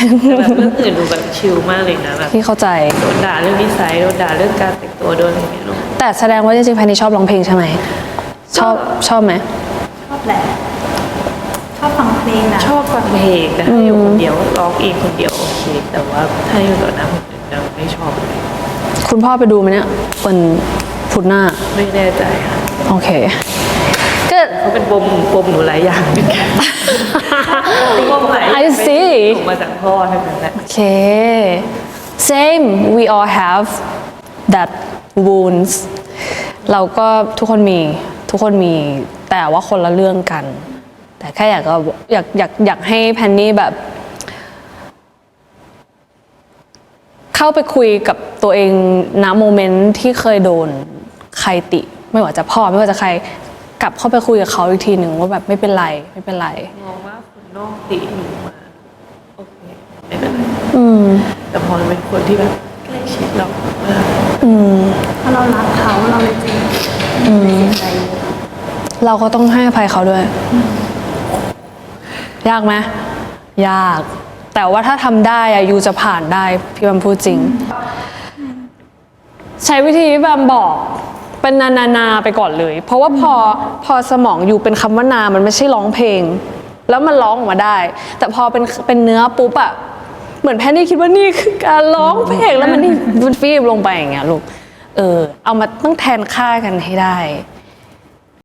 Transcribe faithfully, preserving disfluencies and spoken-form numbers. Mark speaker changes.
Speaker 1: แต่แบบเรื่องอื่นดูแบบชิลมากเลยนะแบบ
Speaker 2: พี่เข้าใจ
Speaker 1: โดนด่าเรื่องนิสัยโดนด่าเรื่องการแต่งตัวโดนอะไรอย่างเงี้ยเนอะ
Speaker 2: แต่แสดงว่าจริงๆแพนนี่ชอบร้องเพลงใช่ไหมชอบชอบไหม
Speaker 3: ชอบแหละชอบฟังเพลงนะ
Speaker 1: ชอบฟังเพลงแต่ถ้าอยู่คนเดียวร้องเองคนเดียวโอเคแต่ว่าถ้าอยู่ต่อหน้าคนอื่นจะไม่ชอบเลย
Speaker 2: คุณพ่อไปดูไหมเนี่ยเป็นพุธหน้า
Speaker 1: ไม่แน่ใจค่ะ
Speaker 2: โอเคก็
Speaker 1: เขาเป็นปมปมหนูหลายอย่างเหมือนกันปมหลายอย่าง
Speaker 2: I see
Speaker 1: ถูกมาจากพ่อทั้งนั้นแหละ
Speaker 2: โอเค same we all have that wounds เราก็ทุกคนมีทุกคนมีแต่ว่าคนละเรื่องกัน แต่แค่อยากก็อยากอยากอยากให้แพนนี่แบบ เข้าไปคุยกับตัวเองณโมเมนต์ที่เคยโดนใครติ ไม่ว่าจะพ่อไม่ว่าจะใครกลับเข้าไปคุยกับเขาอีกทีหนึ่งว่าแบบไม่เป็นไรไม่เป็นไร
Speaker 1: มองว่าคนนอกติหนูมาโอเคไม่เป็นไร
Speaker 2: อืม
Speaker 1: แต่พอเป็นคนที่แบบใกล้ชิดเราเออ
Speaker 2: อืม
Speaker 3: ถ้าเรารักเขาเราเลยจริง
Speaker 2: อืม
Speaker 3: เสียใจเยอะ
Speaker 2: เราก็ต้องให้อภัยเขาด้วย ยากไหมยาก แต่ว่าถ้าทำได้อะยูจะผ่านได้พี่บัมพูดจริง ใช้วิธีที่บัมบอกเป็นนานานาไปก่อนเลย เพราะว่าพอพอสมองยูเป็นคำว่านามันไม่ใช่ร้องเพลง แล้วมันร้องออกมาได้ แต่พอเป็นเป็นเนื้อปุ๊บอะเหมือนแพนนี่คิดว่านี่คือการร้องเพลงแล้วมันนี่มันฟีบลงไปอย่างเงี้ยลูกเออเอามาต้องแทนค่ากันให้ได้